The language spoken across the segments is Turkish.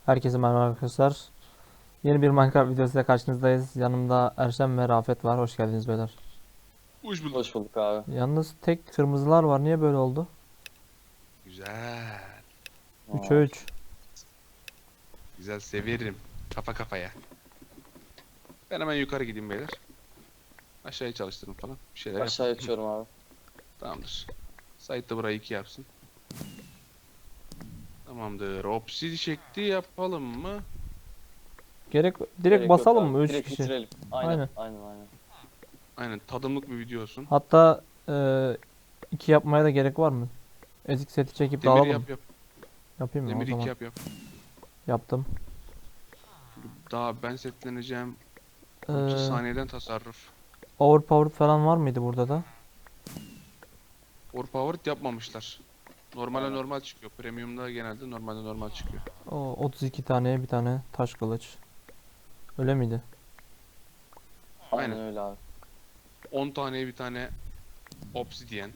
Herkese merhaba arkadaşlar. Yeni bir Minecraft videosuyla karşınızdayız. Yanımda Erşen ve Rafet var. Hoş geldiniz beyler. Hoş bulduk. Hoş bulduk abi. Yalnız tek kırmızılar var. Niye böyle oldu? Güzel. 3'e Aa, 3. Güzel severim. Kafa kafaya. Ben hemen yukarı gideyim beyler. Aşağıya çalıştırın falan. Bir şeyler aşağı yapın. açıyorum abi. Tamamdır. Sait de burayı 2 yapsın. Tamamdır. Opsi şekli yapalım mı? Direkt Gerek yok basalım abi. mı? 3 Direkt kişi. bitirelim. Aynen, Aynen. aynen, aynen. Aynen tadımlık bir video olsun. Hatta 2 yapmaya da gerek var mı? Ezik seti çekip Demir dağılalım mı? yap yap. Yapayım mı? O Demir 2 zaman yap yap. yaptım. Daha ben setleneceğim. 30 Eee saniyeden tasarruf. Overpowered falan var mıydı burada da? Overpowered yapmamışlar. Normale Aynen. normal çıkıyor. Premium'da genelde normalde normal çıkıyor. O 32 taneye bir tane taş kılıç. Öyle miydi? Aynen Aynen. öyle abi. 10 taneye bir tane obsidian.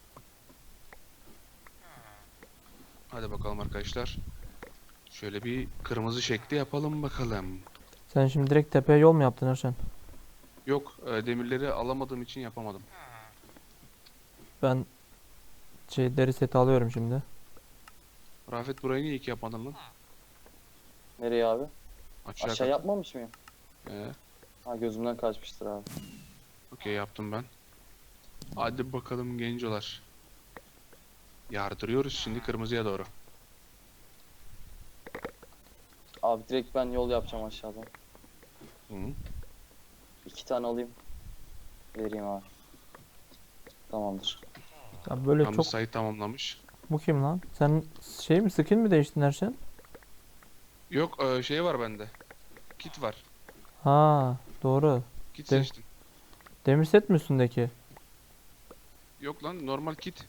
Hadi bakalım arkadaşlar. Şöyle bir kırmızı şekli yapalım bakalım. Sen şimdi direkt tepeye yol mu yaptın Erşen? Yok, demirleri alamadığım için yapamadım. Ben deri seti alıyorum şimdi. Rafet burayı niye 2 yapmadın lan? Nereye abi? Aşağı Aşağı kat. yapmamış mıyım? E, Ha, gözümden kaçmıştır abi. okey yaptım ben. Hadi bakalım gencolar. Yardırıyoruz şimdi kırmızıya doğru. Abi direkt ben yol yapacağım aşağıdan. Hı. 2 tane alayım. Vereyim abi. Tamamdır. Ya böyle Tam çok. sayı tamamlamış. Bu kim lan? Sen şey mi, skin mi değiştin Erşen? Yok, şey var bende. Kit var. Ha, doğru. Kit De seçtim. demir set mi üstündeki? Yok lan normal kit.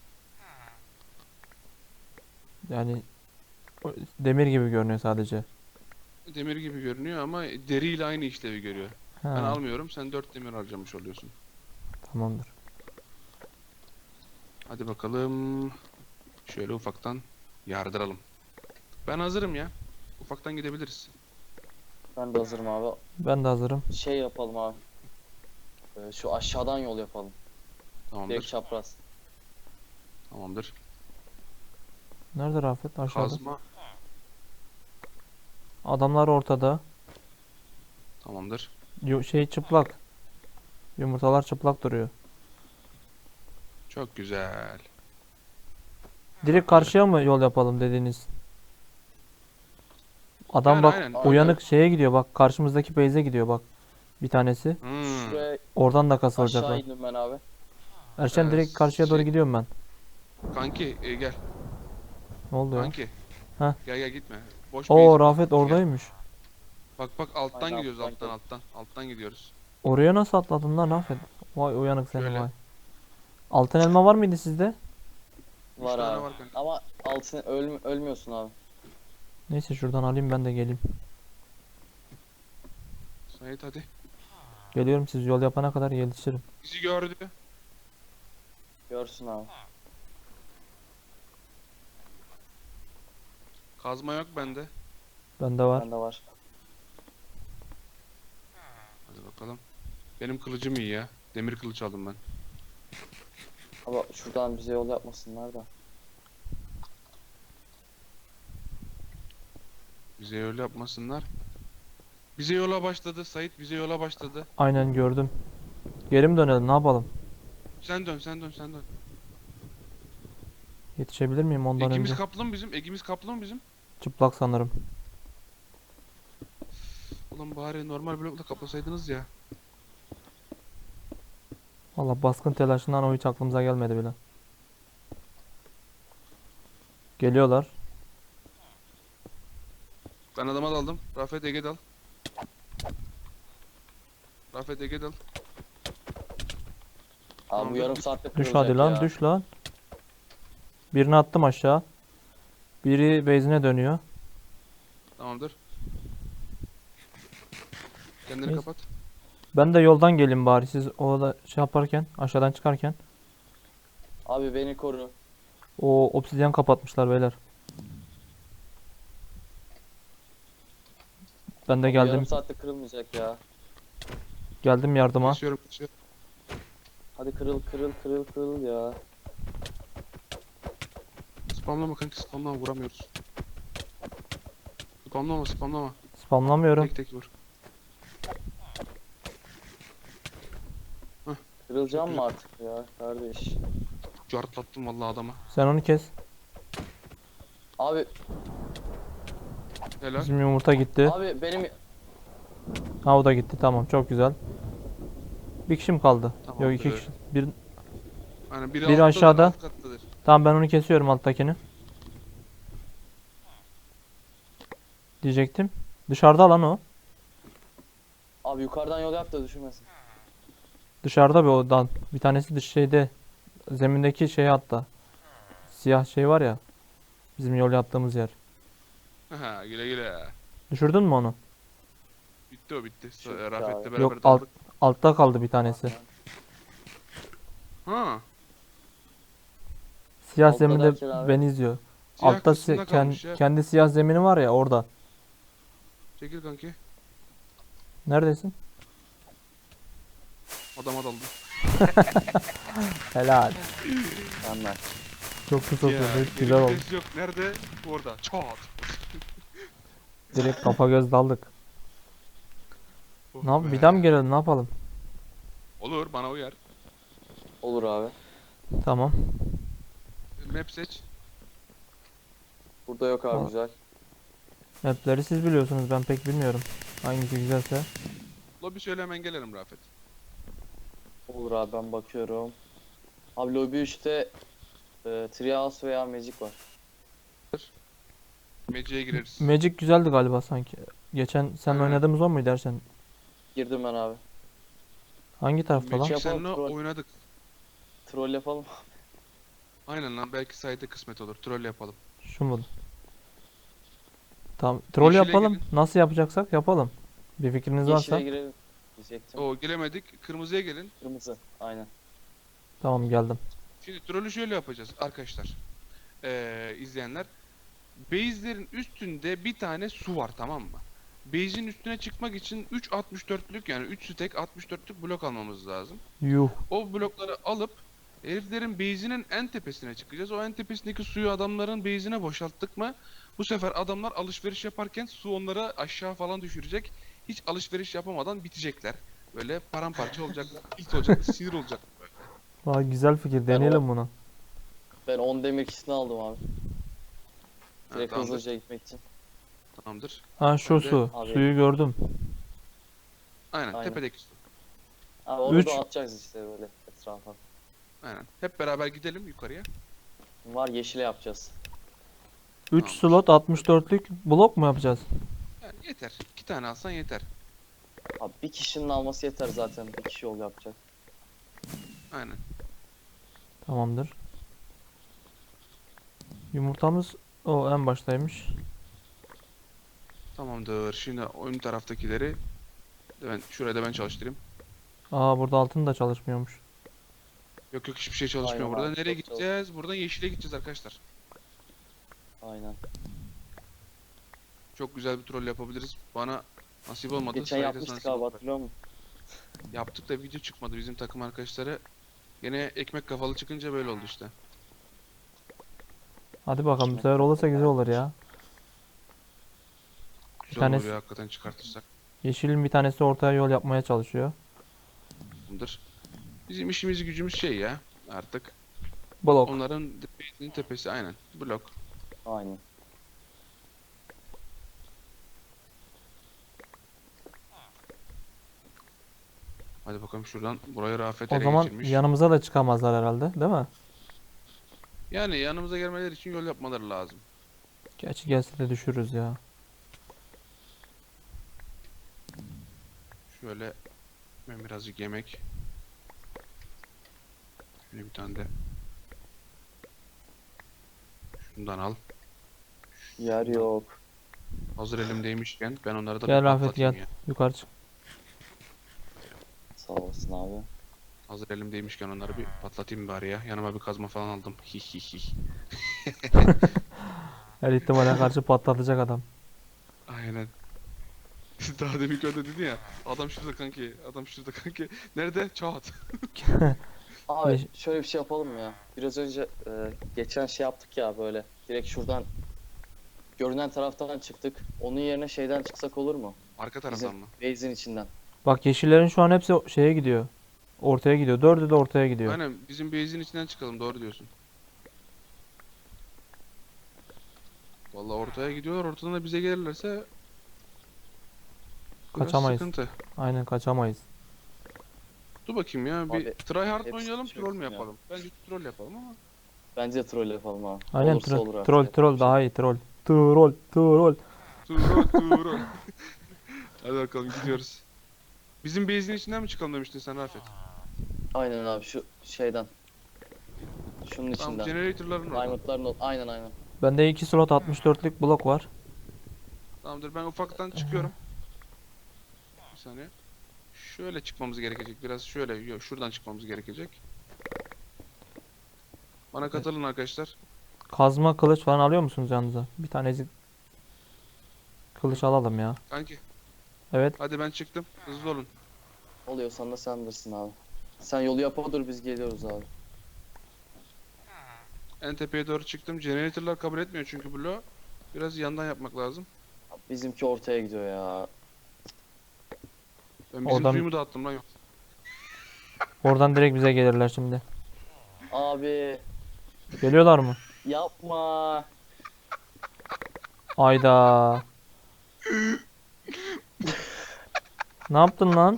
Yani demir gibi görünüyor sadece. Demir gibi görünüyor ama deriyle aynı işlevi görüyor. Ben Ha, almıyorum. Sen 4 demir harcamış oluyorsun. tamamdır. Hadi bakalım. Şöyle ufaktan yardıralım. Ben hazırım ya. Ufaktan gidebiliriz. Ben de hazırım abi. Ben de hazırım. Şey yapalım abi. Şu aşağıdan yol yapalım. Direkt Tamamdır. çapraz. Tamamdır. Nerede Rafet? Aşağıda. Kazma. Adamlar ortada. Tamamdır. Şey çıplak. Yumurtalar çıplak duruyor. Çok güzel. Direkt karşıya mı yol yapalım dediğiniz? Adam Yani bak aynen. uyanık şeye gidiyor, bak karşımızdaki base'e gidiyor bak. Bir tanesi. Hmm. Şuraya Oradan da aşağı kasılacaklar. indim ben abi. Erşen direkt karşıya doğru Şey, gidiyorum ben. kanki gel. Ne oldu ya? Kanki. Heh. Gel gel gitme. Boş Oo, base Rafet buldum. Gel. oradaymış. Bak bak alttan Aynen, gidiyoruz alttan alttan gidiyorum. alttan. Alttan gidiyoruz. Oraya nasıl atladın lan Rafet? Vay uyanık seni Şöyle. vay. Altın elma var mıydı sizde? 3 Var tane abi. var kanka. Ama altın ölmüyorsun abi. Neyse şuradan alayım ben de geleyim. Sait hadi. Geliyorum, siz yol yapana kadar yetişirim. Bizi gördü. Görsün abi. Kazma yok bende. Bende var. Bende var. Hadi bakalım. Benim kılıcım iyi ya. Demir kılıç aldım ben. Ama şuradan bize yol yapmasınlar da. Bize öyle yapmasınlar. Bize yola başladı. Sait bize yola başladı. Aynen gördüm. Geri mi dönelim, ne yapalım? Sen dön sen dön sen dön. Yetişebilir miyim ondan Egimiz önce? kaplı mı bizim? Egimiz kaplı mı bizim? Çıplak sanırım. Ulan bari normal blokla kaplasaydınız ya. Valla baskın telaşından o hiç aklımıza gelmedi bile. Geliyorlar. Ben adama daldım. Rafet Ege dal. Rafet Ege dal. Abi bu Tamamdır. yarım saatte Düş kırılacak hadi lan, ya. düş lan. Birini attım aşağı. Biri base'ine dönüyor. Tamamdır. Kendini Neyse. kapat. Ben de yoldan gelin bari, siz o da şey yaparken, aşağıdan çıkarken. Abi beni koru. O obsidyen kapatmışlar beyler. Ben de Yarım geldim. saatte kırılmayacak ya. Geldim yardıma. Kesiyorum. Hadi kırıl kırıl kırıl kırıl ya. Spamlama kanki, spamlama, vuramıyoruz. Spamlama. Spamlamıyorum. Tek vur. Kırılacağım Çok mı artık ya kardeş? Cartlattım vallahi adama. Sen onu kes. Abi Helal. Bizim yumurta gitti. abi benim Ha o da gitti. Tamam çok güzel. Bir kişi mi kaldı? Tamam, Yok iki evet. kişi. Bir... Hani Biri alttadır, aşağıda. alt kattadır. Tamam ben onu kesiyorum alttakini. Diyecektim. Dışarıda lan o. abi yukarıdan yol yap da düşürmesin. Dışarıda bir odan. Bir tanesi dış şeyde. Zemindeki şey hatta. Siyah şey var ya. Bizim yol yaptığımız yer. Aha, güle. Düşürdün mü onu? Bitti o, bitti. Çok Rafet'le abi. beraber Yok daldık. altta kaldı bir tanesi. Ha. Siyah Altta zeminde derken abi? beni izliyor. Siyah Altta kısmında kalmış ya. kendi siyah zemini var ya orada. Çekil kanki. Neredesin? Adama daldım. Helal. Mükemmel. Çok kısa Ya, sürdü. geri Güzel oldu. vites yok. Nerede? Orada. Çat. Direkt kafa göz daldık. Oh Ne yap? be. Bir daha mı gelelim? Ne yapalım? Olur, bana uyar. Olur abi. Tamam. Map seç. Burada yok abi Aa. güzel. Map'leri siz biliyorsunuz. Ben pek bilmiyorum. Hangisi güzelse. Lobby söyle, hemen gelirim Rafet. Olur abi ben bakıyorum. Abi lobby 3'te Treehouse veya Magic var. Magic'e gireriz. Magic güzeldi galiba sanki. Geçen sen Aynen. oynadığımız o muydu dersen? Girdim ben abi. Hangi tarafta lan? Magic Yapalım, seninle troll. oynadık. Troll yapalım. Aynen lan, belki sayede kısmet olur. Troll yapalım. Şu mu? Tamam. Troll Yeşile yapalım. gelin. Nasıl yapacaksak yapalım. Bir fikriniz varsa. Yeşile girelim diyecektim. O gelemedik. Kırmızıya gelin. Kırmızı. Aynen. Tamam geldim. Şimdi trollü şöyle yapacağız arkadaşlar. İzleyenler. Base'lerin üstünde bir tane su var, tamam mı? Base'in üstüne çıkmak için 3 64'lük, yani 3 stack 64'lük blok almamız lazım. Yuh. O blokları alıp heriflerin base'inin en tepesine çıkacağız. O en tepesindeki suyu adamların base'ine boşalttık mı bu sefer adamlar alışveriş yaparken su onları aşağı falan düşürecek. Hiç alışveriş yapamadan bitecekler. Böyle paramparça olacaklar. İlk olacak, sinir olacak. Vay güzel fikir. Deneyelim bunu. Ben 10 demir kişisini aldım abi. Ha, Direkt tamamdır. hızlıca gitmek için. Tamamdır. Ha şu Ben de- su. Abi. Suyu gördüm. Aynen, Aynen. tepedeki su. Abi onu Üç. dağıtacağız işte böyle etrafa. Aynen. Hep beraber gidelim yukarıya. Var yeşile yapacağız. 3 Tamam. slot 64'lük blok mu yapacağız? Yani yeter. 2 tane alsan yeter. Abi bir kişinin alması yeter zaten. Bir kişi yol yapacak. Aynen. Tamamdır. Yumurtamız o en baştaymış. Tamamdır. Şimdi ön taraftakileri şuraya da ben çalıştırayım. Aa burada altın da çalışmıyormuş. Yok hiçbir şey çalışmıyor Aynen burada. abi, Nereye çok gideceğiz? Buradan yeşile gideceğiz arkadaşlar. Aynen. Çok güzel bir troll yapabiliriz. Bana nasip olmadı. Geçen Saide yapmıştık nasip abi oldu. hatırlıyor musun? Yaptık da video çıkmadı bizim takım arkadaşları. Gene ekmek kafalı çıkınca böyle oldu işte. Hadi bakalım bu Kime sefer olursa güzel olur ya. Güzel tanesi- olur ya hakikaten, çıkartırsak. Yeşilin bir tanesi ortaya yol yapmaya çalışıyor. Tamamdır. Bizim işimiz gücümüz şey ya artık. Blok. Onların base'inin tepesi aynen. Blok. Aynen. Hadi bakalım şuradan, burayı Rafet O ele zaman geçirmiş. yanımıza da çıkamazlar herhalde, değil mi? Yani yanımıza gelmeleri için yol yapmaları lazım. Gerçi gelse de düşürürüz ya. Şöyle ben birazcık yemek. Şöyle bir tane de şundan al. Yer yok. Hazır elimdeymişken ben onları da Gel bir Rafet patlatayım gel. ya. Yukarı çık. Sağ olasın abi. Hazır elimdeymişken onları bir patlatayım bari ya. Yanıma bir kazma falan aldım. Hi hi hi. Her ihtimale karşı patlatacak adam. Aynen. Daha demin öyle dedin ya. Adam şurada kanki. Adam şurada kanki. Nerede? Çat. Abi Yeş- şöyle bir şey yapalım mı ya? Biraz önce geçen şey yaptık ya böyle. Direkt şuradan görünen taraftan çıktık. Onun yerine şeyden çıksak olur mu? Arka Bizim taraftan mı? base'in içinden. Bak yeşillerin şu an hepsi şeye gidiyor. Ortaya gidiyor. Dördü de ortaya gidiyor. Aynen bizim base'in içinden çıkalım. Doğru diyorsun. Vallahi ortaya gidiyorlar. Ortadan da bize gelirlerse biraz Kaçamayız. sıkıntı. Aynen kaçamayız. Dur bakayım ya. Bir Abi, tryhard mı hepsi oynayalım, çok troll mü ya. yapalım? Bence troll yapalım ama. Bence de troll yapalım abi. Aynen Olursa olur artık. troll yapacak bir troll şey daha yok. iyi troll. Troll troll. Troll. Hadi bakalım gidiyoruz. Bizim base'in içinden mi çıkalım demiştin sen Rafet? Aynen abi şu şeyden. Şunun Tamam, içinden. generator'ların orada. Diamond'ların aynen. Bende 2 slot 64'lük blok var. Tamamdır, ben ufaktan çıkıyorum. Bir saniye. Şöyle çıkmamız gerekecek. Biraz şöyle, yok, şuradan çıkmamız gerekecek. Bana katılın arkadaşlar. Kazma kılıç falan alıyor musunuz yanınıza? Bir tanecik kılıç alalım ya. Kanki, Evet. hadi ben çıktım. Hızlı olun. Oluyorsan da sen bilirsin abi. Sen yolu yapa dur biz geliyoruz abi. En tepeye doğru çıktım. Generator'lar kabul etmiyor çünkü bloğu. Biraz yandan yapmak lazım. Bizimki ortaya gidiyor ya. Ben bizim Oradan- suyumu dağıttım lan, yok. Oradan direkt bize gelirler şimdi. Abi Geliyorlar mı? yapma. Ayda. Ne yaptın lan?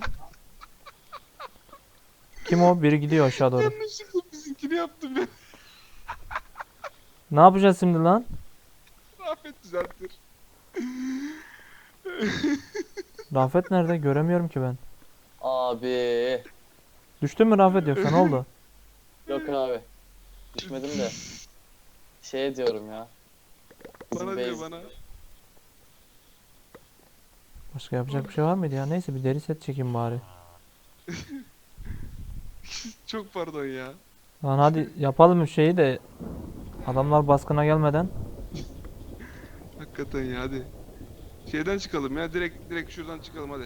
Kim o? Biri gidiyor aşağı doğru. Yanlışlıkla bizimkini yaptım ben. Ne yapacağız şimdi lan? Rafet düzeltir. Rafet nerede? Göremiyorum ki ben. Abi. Düştün mü Rafet yoksa ne oldu? Yok abi. Düşmedim de. Şey diyorum ya. Bizim Bana diyor, base- bana. Başka yapacak bir şey var mıydı ya? Neyse bir deri set çekeyim bari. Çok pardon ya. Lan hadi yapalım şeyi de adamlar baskına gelmeden. Hakikaten ya, hadi. Şeyden çıkalım ya, direkt şuradan çıkalım hadi.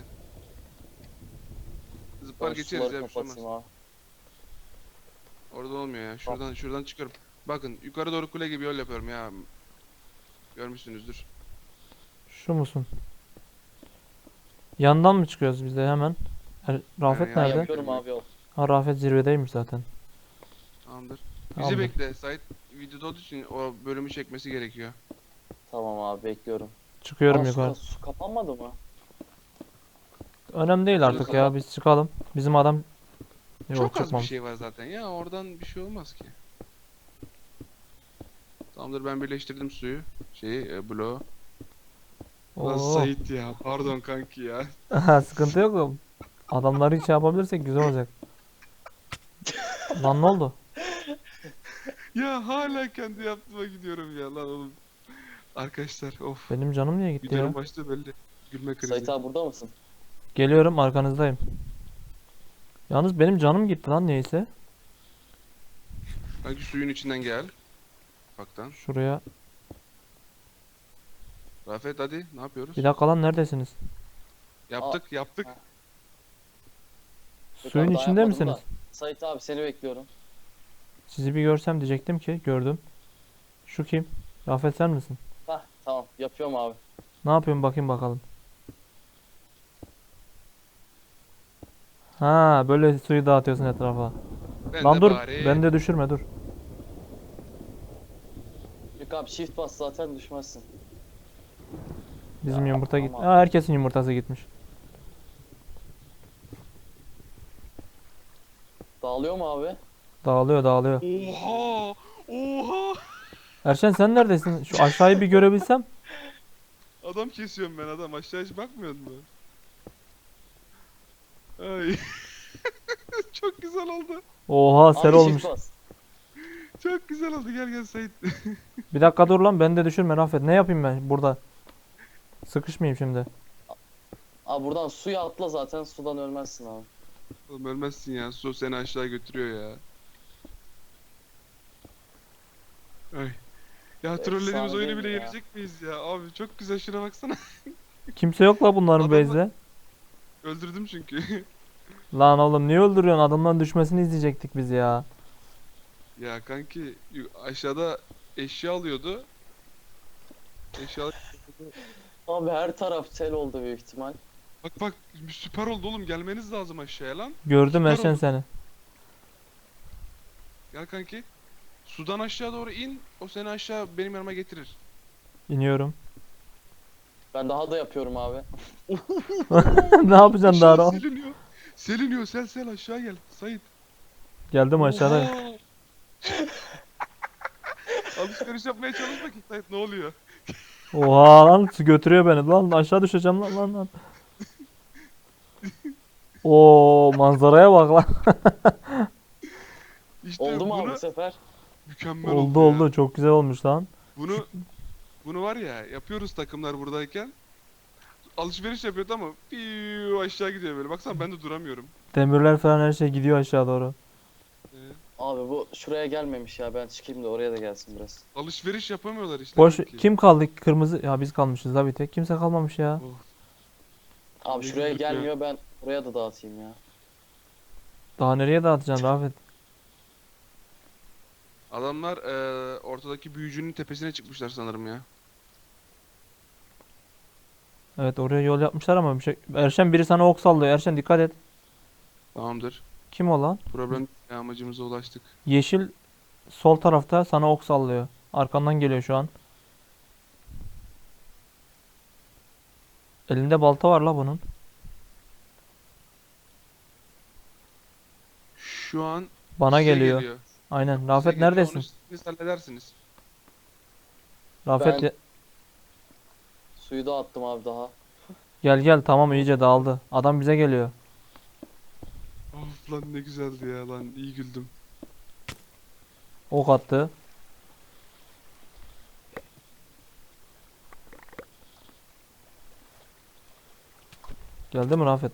Zıplar Ben geçeriz suları ya, bir şey olmaz. kapatayım abi. Orada olmuyor ya. Şuradan çıkıyorum. Bakın yukarı doğru kule gibi yol yapıyorum ya. Görmüşsünüzdür. Şu musun? Yandan mı çıkıyoruz biz de hemen? Rafet Yani Ben nerede? yapıyorum abi yol. Ha Rafet zirvedeymiş zaten. Tamamdır. Bizi Tamamdır. bekle. Sait videoda olduğu için o bölümü çekmesi gerekiyor. Tamam abi bekliyorum. Çıkıyorum Aa, yukarı. su kapanmadı mı? Önemli değil artık ya biz çıkalım. Bizim adam yok Çok az bir çıkmamış. şey var zaten ya. Oradan bir şey olmaz ki. Tamamdır, ben birleştirdim suyu. Bloğu. Lan Oo. Sait ya. Pardon kanki ya. Sıkıntı yok da adamları hiç yapabilirsek güzel olacak. Lan ne oldu? Ya hala kendi yaptığıma gidiyorum ya lan oğlum. Arkadaşlar of. Benim canım niye gitti ya? Videonun başta belli. Gülme krizi. Sait abi burada mısın? Geliyorum arkanızdayım. Yalnız benim canım gitti lan neyse. Kanki suyun içinden gel. Baktan. Şuraya. Rafet hadi, ne yapıyoruz? Bir dakika lan neredesiniz? Yaptık. Ha. Yok Suyun abi, daha içinde yapmadım misiniz? da. Sait abi seni bekliyorum. Sizi bir görsem diyecektim ki gördüm. Şu kim? Rafet sen misin? Hah tamam yapıyorum abi. Ne yapıyorsun bakayım bakalım. Ha böyle suyu dağıtıyorsun etrafa. Ben Lan de dur bari beni de düşürme dur. Yok abi shift bas zaten düşmezsin. Bizim Ya, yumurta gitti. ama- Aa, herkesin yumurtası gitmiş. Dağılıyor mu abi? Dağılıyor dağılıyor. Oha! Oha! Erşen sen neredesin? Şu aşağıyı bir görebilsem. Adam kesiyorum ben, adam. Aşağı hiç bakmıyordun mu? Ay. Çok güzel oldu. Oha ser Abi olmuş. shift bas. Çok güzel oldu. Gel Sait. Bir dakika dur lan beni de düşürme Rafet. Ne yapayım ben burada? Sıkışmayayım şimdi. Abi buradan suya atla zaten sudan ölmezsin abi. Oğlum ölmezsin ya. Su seni aşağı götürüyor ya. Ay. Ya trollediğimiz Efsane oyunu değil bile mi ya? yenecek miyiz ya? Abi çok güzel, şuna baksana. Kimse yok la bunların Adamlar- base'de. Öldürdüm çünkü. Lan oğlum niye öldürüyorsun? Adamların düşmesini izleyecektik biz ya. Ya kanki aşağıda eşya alıyordu. Eşya Abi her taraf sel oldu büyük ihtimal. bak süper oldu oğlum, gelmeniz lazım aşağıya lan. Gördüm Süper Erşen oldu. seni. Gel kanki. Sudan aşağı doğru in. O seni aşağı benim yanıma getirir. İniyorum. Ben daha da yapıyorum abi. Ne yapacaksın daha Aşağı rahat? siliniyor. Siliniyor, sel aşağı gel. Sait. Geldim aşağıda. Oha! Alışveriş yapmaya çalış bakayım Sait, ne oluyor? Oha lan su götürüyor beni. Lan aşağı düşeceğim lan. Oo manzaraya bak lan. İşte Oldu mu abi bunu bu sefer? mükemmel Oldu ya. oldu. Çok güzel olmuş lan. Bunu var ya, yapıyoruz takımlar buradayken. Alışveriş yapıyordu ama piu aşağı gidiyor böyle. Baksana ben de duramıyorum. Demirler falan her şey gidiyor aşağı doğru. Ee, Abi bu şuraya gelmemiş ya. Ben çıkayım da oraya da gelsin biraz. alışveriş yapamıyorlar işte. Boş kanki. kim kaldı? Kırmızı. Ya biz kalmışız la bir tek. Kimse kalmamış ya. Abi Ne şuraya güldük ya. gelmiyor, ben oraya da dağıtayım ya. Daha nereye dağıtacaksın Rafet? Adamlar ortadaki büyücünün tepesine çıkmışlar sanırım ya. Evet oraya yol yapmışlar ama bir şey. Erşen biri sana ok sallıyor. Erşen dikkat et. Tamamdır. Kim o lan? Problem değil, amacımıza ulaştık. Yeşil sol tarafta sana ok sallıyor. Arkandan geliyor şu an. Elinde balta var la bunun. Şu an Bana size geliyor. geliyor. Aynen. Size Rafet geliyor, neredesin? onu siz halledersiniz. Rafet Ben- Suyu da attım abi daha. gel tamam iyice dağıldı. Adam bize geliyor. Of lan ne güzeldi ya lan, iyi güldüm. Ok attı. Geldi mi Rafet?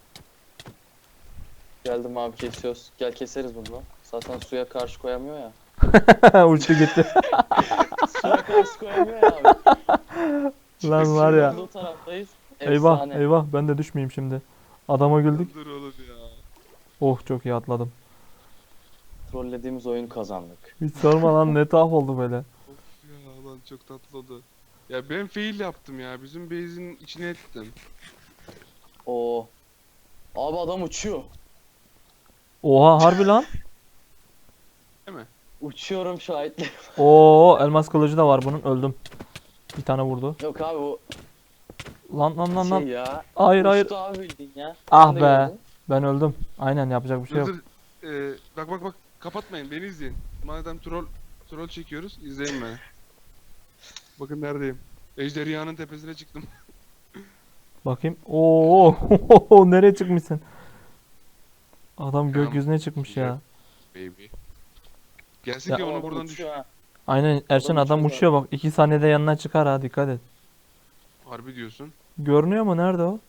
Geldim abi, kesiyoruz. Gel keseriz bunu da. Zaten suya karşı koyamıyor ya. Uçtu gitti. Suya karşı koyamıyor ya abi. Lan var ya. Bu taraftayız. Eyvah Efsane. eyvah ben de düşmeyeyim şimdi. Adama güldük. Dur oğlum ya. Oh çok iyi atladım. Trollediğimiz oyunu kazandık. Hiç sorma lan ne tuhaf oldu böyle. Of ya lan, çok tatlı oldu. Ya ben fail yaptım ya. Bizim base'in içine ettim. Oo. Abi adam uçuyor. Oha harbi lan. Değil mi? Uçuyorum şahitle. Oo elmas kılıcı da var bunun öldüm. Bir tane vurdu. Yok abi bu Lan. ya. Hayır hayır. Uçtu abi bildiğin ya. Ah Sen de be. gördün. Ben öldüm. Aynen yapacak bir şey Dur yok. dur. Bak kapatmayın, beni izleyin. Madem troll çekiyoruz, izleyin beni. Bakın neredeyim. Ejderhanın tepesine çıktım. Bakayım. Oo nereye çıkmışsın? Adam Tamam, gökyüzüne çıkmış ya. Baby. Gelsin Ya- ki onu Adam buradan düş. uçuyor ha. Aynen Erşen Adam adam uçuyor uçuyor bak. 2 saniyede yanına çıkar ha dikkat et. Harbi diyorsun. Görünüyor mu? Nerede o?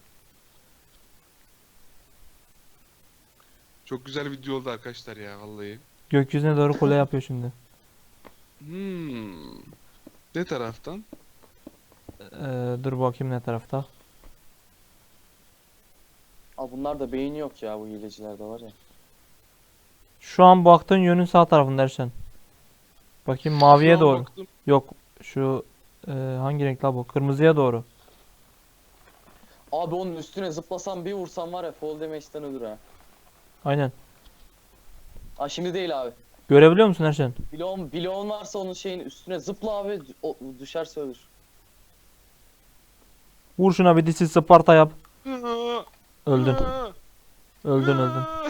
Çok güzel video oldu arkadaşlar ya vallahi. Gökyüzüne doğru kule yapıyor şimdi. Ne taraftan? Dur bakayım ne tarafta. Abi bunlar da beyni yok ya, bu hilecilerde var ya. Şu an baktığın yönün sağ tarafında Erşen. Bakayım maviye Şu an doğru. baktım. Yok şu hangi renk la bu? Kırmızıya doğru. Abi onun üstüne zıplasam bir vursam var ya, fall damage'den ölür ha. Aynen. Aa şimdi değil abi. Görebiliyor musun Erşen? Bloğun varsa onun şeyin üstüne zıpla abi, o düşerse ölür. Vur şuna bir dişi Sparta yap. Öldün. Aa! Öldün. Aa!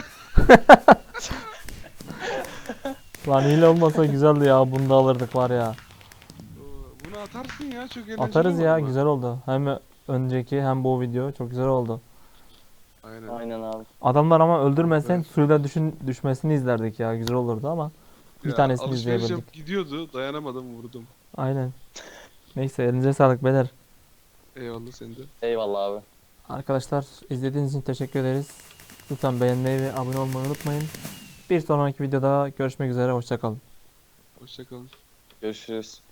Lan hile olmasa güzeldi ya. Bunu da alırdık var ya. Bunu atarsın ya, çok eğlenceli Atarız ya olmadı mı? güzel oldu. Hem önceki hem bu video çok güzel oldu. Aynen. Aynen abi. Adamlar ama öldürmesen Evet. suyla düşmesini izlerdik ya. Güzel olurdu ama. Bir Ya, tanesini alışveriş izleyebildik. yapıp gidiyordu, dayanamadım vurdum. Aynen. Neyse elinize sağlık beyler. Eyvallah sende. Eyvallah abi. Arkadaşlar izlediğiniz için teşekkür ederiz. Lütfen beğenmeyi ve abone olmayı unutmayın. Bir sonraki videoda görüşmek üzere. Hoşça kalın. Hoşça kalın. Görüşürüz.